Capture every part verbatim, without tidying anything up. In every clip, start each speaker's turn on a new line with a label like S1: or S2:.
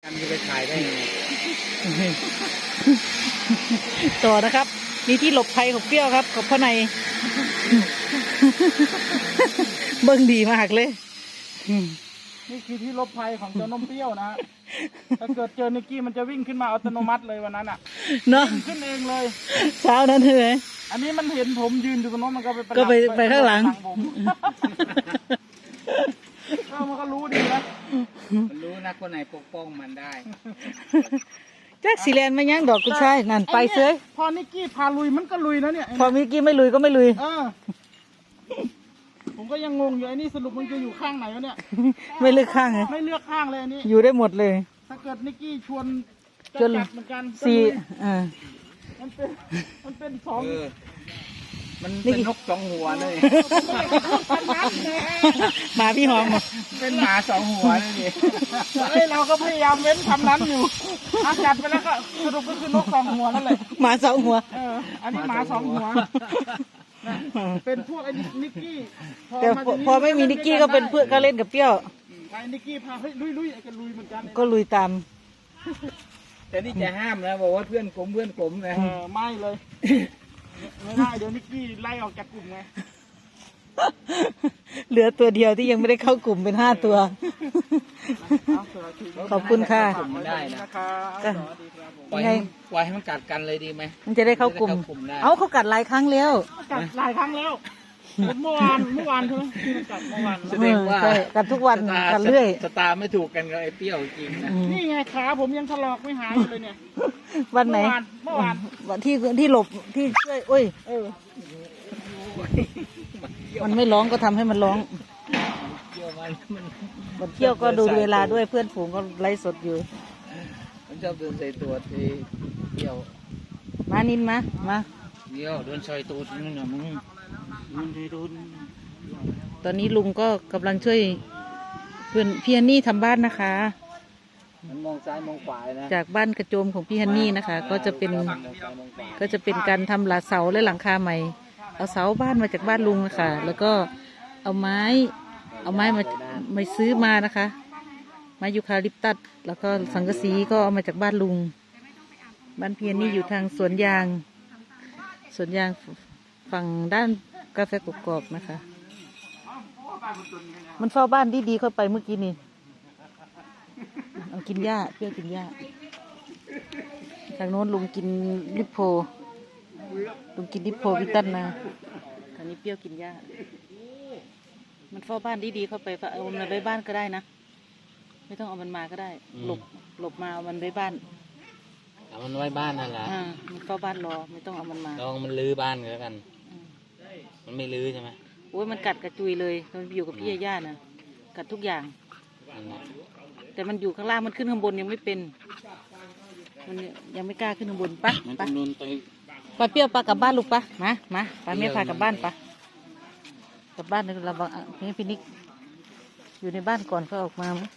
S1: อันจะไปขายได้ไง
S2: ต่อนะครับมีที่หลบภัยของเปรี้ยวครับกับพ่อใน เบิ่งดีมากเลย
S3: นี่คือที่หลบภัยของเจ้านมเปรี้ยวนะฮะถ้าเกิดเจอนิกกี้มันจะวิ่งขึ้นมาอัตโนมัติเลยวันนั้นอ่ะ
S2: เนาะ
S3: ขึ้นเองเลย
S2: เช้านั้นเลย
S3: อันนี้มันเห็นผมยืนอยู่ตรงโน้นมันก็ไป
S2: ก็ไปไปข้างหลัง
S3: ผมเออมันก็รู้ดีนะ
S1: มันรู้นะคนไหนปกป้องมันได้
S2: แจ็คสีแลนไม่ยั้งดอกกุญชายนั่นไปเซย
S3: พอนิกกี้พาลุยมันก็ลุยนะเนี่ย
S2: พอมิกี้ไม่ลุยก็ไม่ลุย
S3: เออผมก็ยังงงอยู่ไอ้นี่สรุปมันจะอยู่ข้างไหนวะเนี่ย
S2: ไม่เลือกข้างไง
S3: ไม่เลือกข้างเลยอันนี้
S2: อยู่ได้หมดเลย
S3: ถ้าเกิดนิกกี้ชวนจะ
S2: จน
S3: จัดเหมือนกันก็
S2: สี่
S3: ลุย
S2: อ่า
S3: มันเป็นมันเป็นสอง
S1: เออ มันเป็นนกสองหัวเลย
S2: หมาพี่หอมเหรอ
S1: เป็นหมาสองหัวเลยนี่
S3: เอ้ยเราก็พยายามเว้นคำนั้นอยู่อาจัดไปแล้วก็สรุปก็คือนกสองหัวนั่นแหละ
S2: หมาสองหัว
S3: เอออันนี้หมาสองหัวนะเป็นพวกไอ้นิกกี้พอ
S2: แต่
S3: มา
S2: พอ
S3: ที
S2: พอไม่มีนิกกี้ก็เป็นเพื่อนก็เล่นกับเปรี้ยว
S3: ไอ้นิกกี้พาเฮ้ยลุยลุยไอ้กันลุยเหมือนกัน
S2: ก็ลุยตาม
S1: แต่นี่จะห้ามนะบอกว่าเพื่อนกลมเพื่อนกลมนะ
S3: เออไม่เลยไม่ได้เดี๋ยวนิกกี้ไล่ออกจากกลุ่มไง
S2: เหลือตัวเดียวที่ยังไม่ได้เข้ากลุ่มเป็นห้าตัว
S3: เอาเสือถือ
S2: ขอบคุณค่ะ
S1: กลุ่มได้นะ
S3: นะครับ
S2: ก็
S3: สวัสดีครับผม
S1: ปล่อยให้มันปล่อยให้มันกัดกันเลยดีไหม
S2: มันจะได้เข้ากลุ่ม
S1: จะได้เข้ากลุ่มได้
S2: เอาเขากัดหลายครั้งแล้ว
S3: กัดหลายครั้งแล้วเมื่อวานเมื่อวานใช่ไหมที่มันกัดเมื่อวาน
S1: แสดงว่า
S2: เออใช่กัดทุกวัน
S1: สตา
S2: กัดเรื่อย
S1: สตาร์ไม่ถูกกันกับไอ้เปรี้ยวจริงนะ
S2: อืม
S3: นี่ไงขาผมยังถลอกไม่หายอยู่เลยเนี่ย
S2: วันไหน
S3: เมื่อวานเมื่อวาน
S2: วันที่ที่หลบที่ช่วยโอ้ย
S3: เออ
S2: มันไม่ร้องก็ทำให้มันร้อง
S1: เปรี้ยวมันมัน
S2: บนเที่ยวก็ดูเวลาด้วยเพื่อนฝูงก็ไล่สดอยู่
S1: มันชอบเดินใส่ตัวที่เปรี้ยว
S2: มานินมามา
S1: เปรี้ยวเดินใส่ตัวนี่นะมึงมึงไปโดน
S2: ตอนนี้ลุงก็กำลังช่วยเพื่อนพี่ฮันนี่ทำบ้านนะคะ
S1: มันมองซ้ายมองขวานะ
S2: จากบ้านกระโจมของพี่ฮันนี่นะคะ ก็จะเป็น
S1: มองซ้ายมองขวา
S2: ก็จะเป็นการทำหลังเสาและหลังคาใหม่ เอาเสาบ้านมาจากบ้านลุงนะคะแล้วก็เอาไม้ เอาไม้มามาซื้อมานะคะ ไม้ยูคาลิปตัสแล้วก็สังกะสีก็เอามาจากบ้านลุง บ้านเพียนนี่อยู่ทางสวนยาง สวนยางฝั่งด้านกาแฟกรอบๆนะคะ มันเฝ้าบ้านดีๆเข้าไปเมื่อกี้นี่เอากินหญ้าเปรี้ยวกินหญ้า ทางโน้นลุงกินลิปโพ ลุงกินลิปโพวิตันนะทางนี้เปรี้ยวกินหญ้า มันเฝ้าบ้านดีๆเข้าไปเอามันไว้บ้านก็ได้นะ ไม่ต้องเอามันมาก็ได้ หลบหลบมาเอามันไว้บ้าน
S1: เอามันไว้บ้านนั่นแหละ
S2: อ่ามันเฝ้าบ้านรอไม่ต้องเอามันมา
S1: ลองมันลื้อบ้านกันแล้วกัน
S2: อืม
S1: มันไม่ลื้อใช่ไหม
S2: โอ้ยมันกัดกระจุยเลยมันอยู่กับพี่ย่าๆนะกัดทุกอย่าง
S1: นั่นแหละ
S2: แต่มันอยู่ข้างล่างมันขึ้นข้างบนยังไม่เป็น มันยังไม่กล้าขึ้นข้างบนปะ
S1: มัน
S2: ปะ
S1: ต้องโดนไป
S2: ปะเปรี้ยวปะกลับบ้านลูกปะมามาปะแม่พากลับบ้านปะกลับบ้านเลยเราบังพี่พินิกอยู่ในบ้านก่อนเขาออกมามั้ย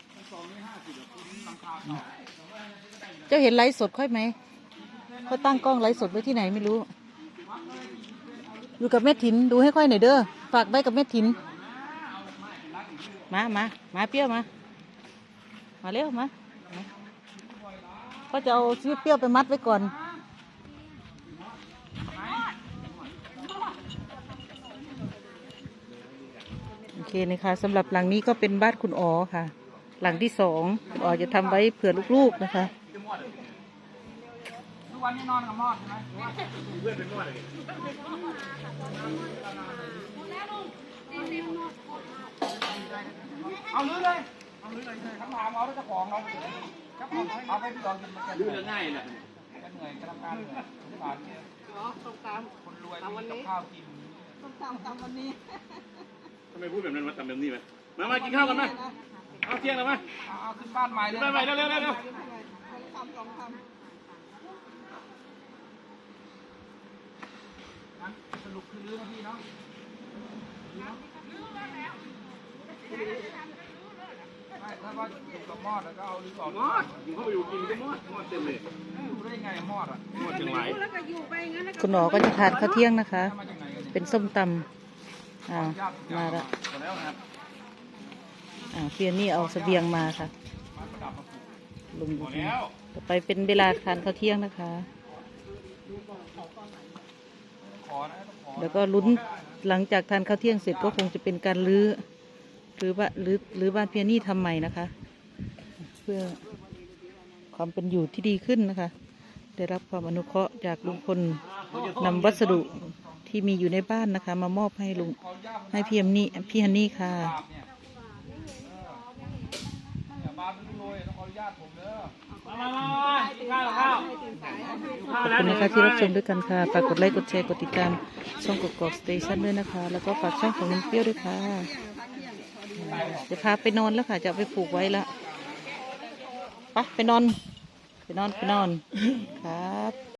S2: เจ้าเห็นไลฟ์สดค่อยไหมเขาตั้งกล้องไลฟ์สดไว้ที่ไหนไม่รู้ อยู่กับแม่ถินดูให้ค่อยหน่อยเด้อฝากไว้กับแม่ถินมามามาเปรี้ยวมามาเร็วมามาก็จะเอาชีวิตเปรี้ยวไปมัดไว้ก่อนโอเคนะคะสำหรับหลังนี้ก็เป็นบ้านคุณอ๋อค่ะ หลังที่สองคุณอ๋อจะทำไว้เผื่อลูกๆนะคะ
S3: ทุกวันนี้นอนกับมอดใช่ไหมเพื่อนเป็นมอดเลยเอาลื้อเลยเอาลื้อเลยคำถามเอาเจ้าของเราครับผมเอาไปลองกินมันจะลื้อง่ายนะจะเหนื่อยจะทำการเหนื่อยสงสารเนี่ยต้องตามคนรวยมีกับข้าวกิน
S4: ทำไมพูดแบบนั้นมาทำแบบนี้ไหมมามากินข้าวกันไหมเอาเที่ยงแล้วไหม
S3: เอาขึ้นบ้านใหม่เลย
S4: ไปไปเร็วเร็วเร็วเร็ว
S3: สรุปคือลื้อนะพี่เนาะไม่ถ้าว่าอยู่กับมอดแล้วก็เอาลื้อออก
S4: มอดกินเข้าไปอยู่กินก็มอดมอดเต็มเลย
S3: อยู่ได้ไงมอดอ่ะ
S4: มอดเชียงราย
S2: คุณอ๋อก็จะทานข้าวเที่ยงนะคะ
S3: มาจากไหนกันเนี่ย
S2: เป็นส้มตำอ่ามาแล้ว
S3: หมดแล้วนะครับ
S2: อ่าเพียนนี่เอาเสบียงมาค่ะ
S3: มาประดับมาปลูก
S2: มลุงอยู่
S4: พอ
S2: ที่
S4: แล้ว
S2: ต่อไปเป็นเวลาทานข้าวเที่ยงนะคะ
S3: ขอนะต้องขอ
S2: แล้วก็ลุ้นหลังจากทานข้าวเที่ยงเสร็จก็คงจะเป็นการรื้อหรือว่ารื้อหรือบ้านเพียนี่ทำใหม่นะคะ เพื่อความเป็นอยู่ที่ดีขึ้นนะคะ ได้รับความอนุเคราะห์จากลุงพลนำวัสดุที่มีอยู่ในบ้านนะคะ มามอบให้ลุงให้พี่ฮันนี่พี่ฮันนี่ค่ะ
S3: เนี่ยอย่ามาเป็นรวยต้องขออนุญาตผมเด้อ
S4: มามามาข้าวข้าว
S2: ขอบคุณนะคะที่รับชมด้วยกันค่ะ ฝากกดไลค์ กดแชร์ กดติดตามช่องกกอกสเตชันด้วยนะคะ แล้วก็ฝากช่องของลุงเปรี้ยวด้วยค่ะจะพาไปนอนแล้วค่ะ จะเอาไปผูกไว้แล้วไปไปนอน ไปนอน ไปนอน ครับ